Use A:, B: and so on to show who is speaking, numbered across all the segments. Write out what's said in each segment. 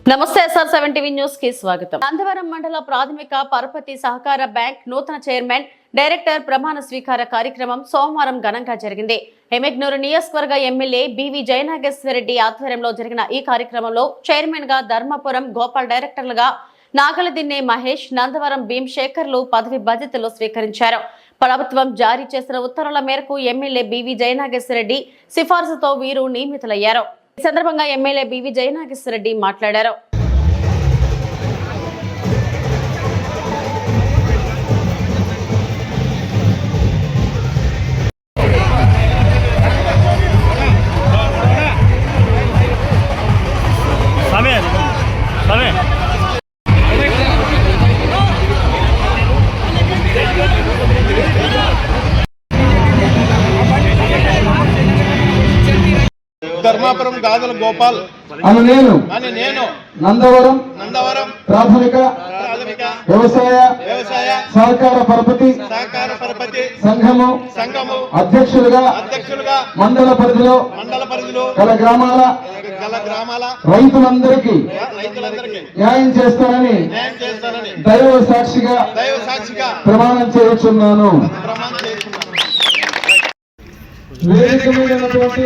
A: నమస్తే SR7 TV news కి స్వాగతం. నందవరం మండల ప్రాథమిక పరపతి సహకార బ్యాంక్ నూతన చైర్మన్ డైరెక్టర్ ప్రమాణ స్వీకార కార్యక్రమం సోమవారం ఘనంగా జరిగింది. ఎమ్మెగ్నూరు నియోజకవర్గ ఎమ్మెల్యే బివి జయనాగేశ్వరరెడ్డి ఆధ్వర్యంలో జరిగిన ఈ కార్యక్రమంలో చైర్మన్ గా ధర్మపురం గోపాల్, డైరెక్టర్లుగా నాగలదిన్నె మహేష్, నందవరం భీమశేఖర్లు పదవి బాధ్యతలు స్వీకరించారు. ప్రభుత్వం జారీ చేసిన ఉత్తర్వుల మేరకు ఎమ్మెల్యే బివి జయనాగేశ్వరరెడ్డి సిఫార్సుతో వీరు నియమితులయ్యారు. ఈ సందర్భంగా ఎమ్మెల్యే బివి జయనాగేశ్వరరెడ్డి మాట్లాడారు.
B: ధర్మాపురం గాదల గోపాల్
C: అని నేను నందవరం ప్రాథమిక వ్యవసాయ సహకార పరపతి సంఘము అధ్యక్షులుగా మండల పరిధిలో గల గ్రామాల రైతులందరికీ న్యాయం చేస్తానని దైవ సాక్షిగా ప్రమాణం చేయుచున్నాను. వేదిక మీద ఉన్నటువంటి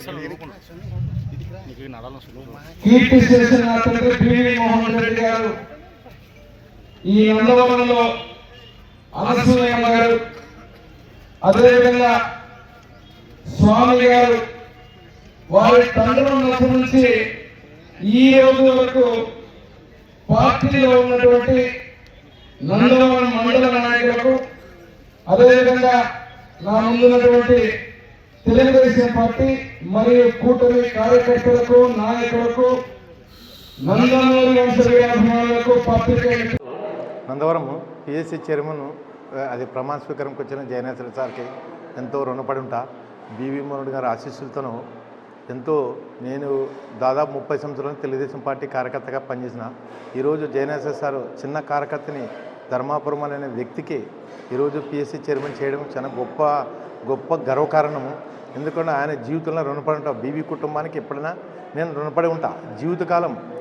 C: కీర్తి చేసిన తండ్రి బివి మోహన్ రెడ్డి గారు, ఈ నందవరంలో అనసూయమ్మ గారు, అదేవిధంగా స్వామి గారు, వారి తండ్రుల నుంచి ఈ రోజు వరకు పార్టీలో ఉన్నటువంటి నందవరం మండల నాయకులకు, అదేవిధంగా నా ముందున్నటువంటి తెలుగుదేశం పార్టీ మరియు కూటమి కార్యకర్తలకు, నాయకులకు, నందమూరి వంశీయులకు, పత్రికలకు
D: నందవరం పిఎస్సి చైర్మన్ అది ప్రమాణ స్వీకారంకి వచ్చిన జయనేశ్వర సార్కి ఎంతో రుణపడి ఉంటా. బివి మోహన్ గారి ఆశీస్సులతోనూ ఎంతో నేను దాదాపు 30 సంవత్సరాలు తెలుగుదేశం పార్టీ కార్యకర్తగా పనిచేసిన. ఈరోజు జయనేశ్వర సార్ చిన్న కార్యకర్తని ధర్మాపురం అనే వ్యక్తికి ఈరోజు పిఎస్సి చైర్మన్ చేయడం చాలా గొప్ప గర్వకారణము. ఎందుకంటే ఆయన జీవితంలో రుణపడి ఉంటా. బీవీ కుటుంబానికి ఎప్పుడైనా నేను రుణపడి ఉంటా. జీవితకాలం